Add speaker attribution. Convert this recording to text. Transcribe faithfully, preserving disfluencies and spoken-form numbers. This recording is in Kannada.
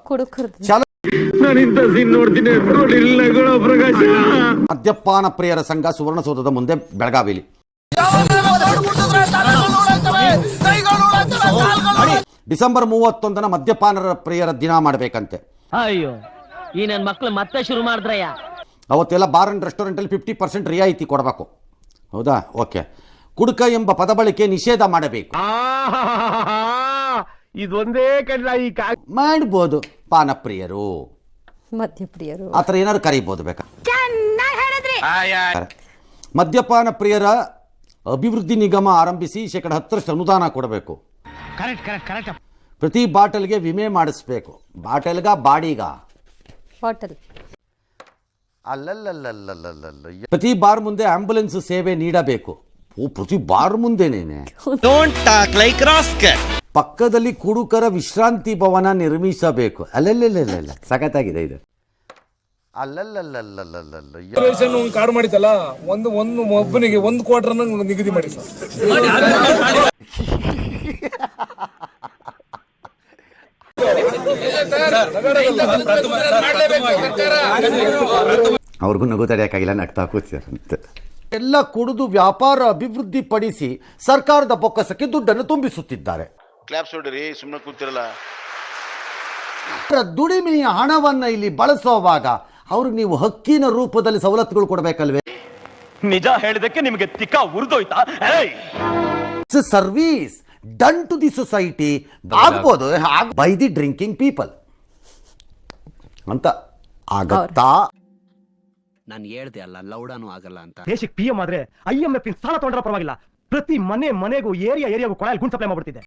Speaker 1: ಚಲೋ
Speaker 2: ಮದ್ಯಪಾನ ಪ್ರಿಯರ ಸಂಘ ಸುವರ್ಣಸೌಧದ ಮುಂದೆ ಬೆಳಗಾವಿಲಿ ಡಿಸೆಂಬರ್ ಮೂವತ್ತೊಂದನ ಮದ್ಯಪಾನರ ಪ್ರಿಯರ ದಿನ ಮಾಡಬೇಕಂತೆ.
Speaker 3: ಅಯ್ಯೋ ಈ ನನ್ನ ಮಕ್ಕಳು ಮತ್ತೆ ಶುರು ಮಾಡಿದ್ರಯ್ಯ.
Speaker 2: ಅವತ್ತೆಲ್ಲ ಬಾರ್ ಅಂಡ್ ರೆಸ್ಟೋರೆಂಟಲ್ಲಿ ಫಿಫ್ಟಿ ಪರ್ಸೆಂಟ್ ರಿಯಾಯಿತಿ ಕೊಡಬೇಕು. ಹೌದಾ? ಓಕೆ. ಕುಡುಕ ಎಂಬ ಪದ ಬಳಕೆ ನಿಷೇಧ ಮಾಡಬೇಕು.
Speaker 4: ಇದೊಂದೇ ಕಡ್ಲ ಈ
Speaker 2: ಮಾಡ್ಬೋದು. ಪಾನಪ್ರಿಯರು,
Speaker 1: ಮದ್ಯಪ್ರಿಯರು
Speaker 2: ಆ ಥರ ಏನಾದ್ರು ಕರೀಬೋದು ಬೇಕಾ. ಮದ್ಯಪಾನ ಪ್ರಿಯರ ಅಭಿವೃದ್ಧಿ ನಿಗಮ ಆರಂಭಿಸಿ ಶೇಕಡ ಹತ್ತರಷ್ಟು ಅನುದಾನ ಕೊಡಬೇಕು. ಪ್ರತಿ ಬಾಟಲ್ಗೆ ವಿಮೆ ಮಾಡಿಸ್ಬೇಕು. ಬಾಟಲ್ಗ ಬಾಡಿಗ
Speaker 1: ಬಾಟಲ್
Speaker 2: ಅಲ್ಲಲ್ಲಲ್ಲಲ್ಲಲ್ಲಲ್ಲ. ಪ್ರತಿ ಬಾರ್ ಮುಂದೆ ಆಂಬ್ಯುಲೆನ್ಸ್ ಸೇವೆ ನೀಡಬೇಕು. ಓ, ಪ್ರತಿ ಬಾರ್ ಮುಂದೆನೇನೆ. ಪಕ್ಕದಲ್ಲಿ ಕುಡುಕರ ವಿಶ್ರಾಂತಿ ಭವನ ನಿರ್ಮಿಸಬೇಕು. ಅಲ್ಲಲ್ಲಲ್ಲ ಸಖತ್ತಾಗಿದೆ ಇದು. ಅಲ್ಲಲ್ಲಲ್ಲಲ್ಲಲ್ಲ
Speaker 5: ಕಾರ್ಡ್ ಮಾಡಿತಲ್ಲ, ಒಂದು ಒಂದು ಒಬ್ಬನಿಗೆ ಒಂದು ಕ್ವಾರ್ಟರ್ ನಿಗದಿ ಮಾಡಿ ಸರ್.
Speaker 2: ಅವ್ರಿಗೂ ನಗು ತಡೆಯಕ್ಕಾಗಿಲ್ಲ, ನಗ್ತಾ ಕೂತಿದ್ದಾರೆ. ಎಲ್ಲ ಕುಡಿದು ವ್ಯಾಪಾರ ಅಭಿವೃದ್ಧಿ ಪಡಿಸಿ ಸರ್ಕಾರದ ಬೊಕ್ಕಸಕ್ಕೆ ದುಡ್ಡನ್ನು ತುಂಬಿಸುತ್ತಿದ್ದಾರೆ.
Speaker 6: ಕ್ಲಾಪ್ಸ್ ಹೊಡ್ರಿ, ಸುಮ್ಮನೆ ಕೂತಿರಲ್ಲ.
Speaker 2: ದುಡಿಮೆಯ ಹಣವನ್ನ ಇಲ್ಲಿ ಬಳಸುವಾಗ ಅವ್ರಿಗೆ ನೀವು ಹಕ್ಕಿನ ರೂಪದಲ್ಲಿ ಸವಲತ್ತುಗಳು ಕೊಡಬೇಕಲ್ವೇ?
Speaker 4: ನಿಜ ಹೇಳಿದಕ್ಕೆ ನಿಮಗೆ ತಿಕ್ಕ ಉರಿದೋಯ್ತಾ?
Speaker 2: Service done to the society ಆಗ್ಬೋದು ಬೈ ದಿ ಡ್ರಿಂಕಿಂಗ್ ಪೀಪಲ್ ಅಂತ ಆಗತ್ತಾ?
Speaker 7: ನಾನು ಹೇಳ್ದೆ ಅಲ್ಲ, ಲೌಡಾನು ಆಗಲ್ಲ ಅಂತ.
Speaker 4: ದೇಶಕ್ಕೆ ಪಿ ಎಂ ಆದ್ರೆ ಐ ಎಂ ಎಫ್ ಸಾಲ ತಗೊಂಡ್ರ ಪರವಾಗಿಲ್ಲ, ಪ್ರತಿ ಮನೆ ಮನೆಗೂ ಏರಿಯಾ ಏರಿಯಾಗೂ ಕೊಳಲ್ ಗುಂಡ್ ಸಪ್ಲೈ ಮಾಡ್ಬಿಡ್ತಿದೆ.